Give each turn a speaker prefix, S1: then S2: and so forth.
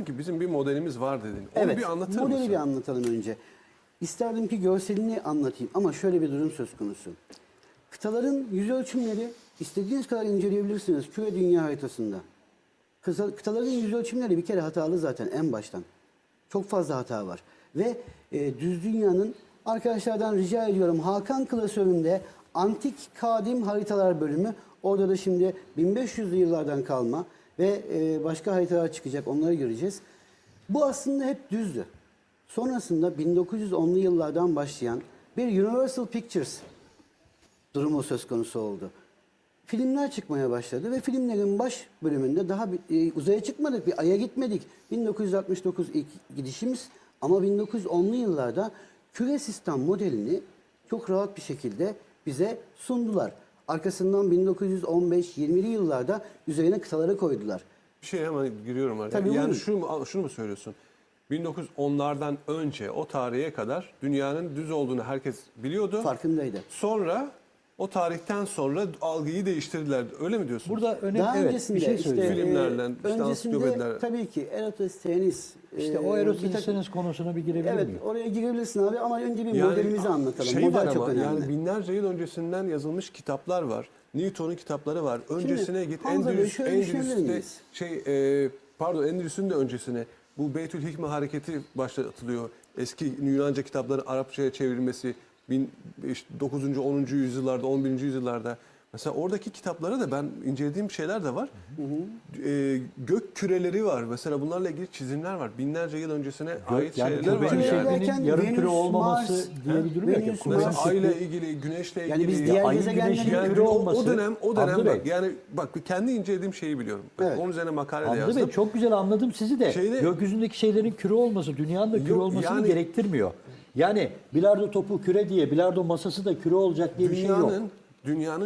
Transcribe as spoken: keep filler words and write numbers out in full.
S1: ki bizim bir modelimiz var dedin. Onu
S2: Evet,
S1: bir anlatır
S2: modeli
S1: mısın?
S2: bir anlatalım önce. İsterdim ki görselini anlatayım ama şöyle bir durum söz konusu. Kıtaların yüz ölçümleri istediğiniz kadar inceleyebilirsiniz küre dünya haritasında. Kısa- Kıtaların yüz ölçümleri bir kere hatalı zaten en baştan. Çok fazla hata var. Ve e, düz dünyanın arkadaşlardan rica ediyorum Hakan klasöründe antik kadim haritalar bölümü, orada da şimdi bin beş yüzlü yıllardan kalma ve e, başka haritalar çıkacak, onları göreceğiz. Bu aslında hep düzdü. Sonrasında bin dokuz yüz onlu yıllardan başlayan bir Universal Pictures durumu söz konusu oldu. Filmler çıkmaya başladı ve filmlerin baş bölümünde daha bir, e, uzaya çıkmadık, bir aya gitmedik. bin dokuz yüz altmış dokuz ilk gidişimiz ama bin dokuz yüz onlu yıllarda küre sistem modelini çok rahat bir şekilde bize sundular. Arkasından bin dokuz yüz on beş yirmili yıllarda üzerine kıtaları koydular.
S1: Bir şey hemen giriyorum araya.
S2: Tabii,
S1: yani
S2: buyurun.
S1: şunu, mu- şunu mu söylüyorsun? bin dokuz yüz onlardan önce o tarihe kadar dünyanın düz olduğunu herkes biliyordu.
S2: Farkındaydı.
S1: Sonra o tarihten sonra algıyı değiştirdiler. Öyle mi diyorsun?
S3: Burada önemli
S2: Daha
S3: evet,
S2: öncesinde
S3: bir şey
S2: işte,
S3: söyleyeyim.
S1: Filmlerle,
S2: e,
S1: işte
S2: öncesinde
S1: ansiklopediler.
S2: tabii ki Eratosthenes.
S3: İşte
S2: e,
S3: o
S2: bir
S3: Eratosthenes
S2: takım-
S3: konusuna bir girebilir
S2: Evet,
S3: miyim?
S2: oraya girebilirsin abi ama önce bir modelimizi anlatalım.
S1: Şey
S2: Model
S1: var
S2: çok
S1: ama
S2: önemli.
S1: yani binlerce yıl öncesinden yazılmış kitaplar var. Newton'un kitapları var. Öncesine git
S2: Hamza Bey,
S1: Endülüs,
S2: şöyle düşünebilir
S1: Endülüs'te
S2: miyiz?
S1: şey e, pardon Endülüs'ün de öncesine bu Beytül Hikme hareketi başlatılıyor. Eski Yunanca kitapların Arapçaya çevrilmesi bin- işte dokuzuncu onuncu yüzyıllarda, on birinci yüzyıllarda. Mesela oradaki kitaplara da ben incelediğim şeyler de var. E, gök küreleri var. Mesela bunlarla ilgili çizimler var. Binlerce yıl öncesine ait
S3: yani
S1: şeyler var.
S3: küre
S1: Yani.
S2: derken
S3: şeklinin yarım küre
S2: Venüs,
S3: olmaması
S2: Mars,
S3: diye bir durum yok.
S2: Venüs,
S3: Kule
S1: Mesela
S2: Mars-
S1: ayla ilgili, güneşle ilgili.
S2: Yani biz diğer
S3: ayın
S2: gezegenleri-
S3: güneşin
S1: Yani
S3: küre
S1: o,
S3: olması.
S1: o dönem o dönem
S3: Hamdi
S1: bak
S3: Bey,
S1: yani bak kendi incelediğim şeyi biliyorum. Bak,
S2: Evet.
S1: onun üzerine makale de
S3: Hamdi
S1: yazdım.
S3: Bey çok güzel anladım sizi de.
S1: Şeyde-
S3: Gökyüzündeki şeylerin küre olması, dünyanın da küre
S1: Yok,
S3: olmasını
S1: yani-
S3: gerektirmiyor. Yani bilardo topu küre diye, bilardo masası da küre olacak diye bir şey yok.
S1: Dünyanın dünyanın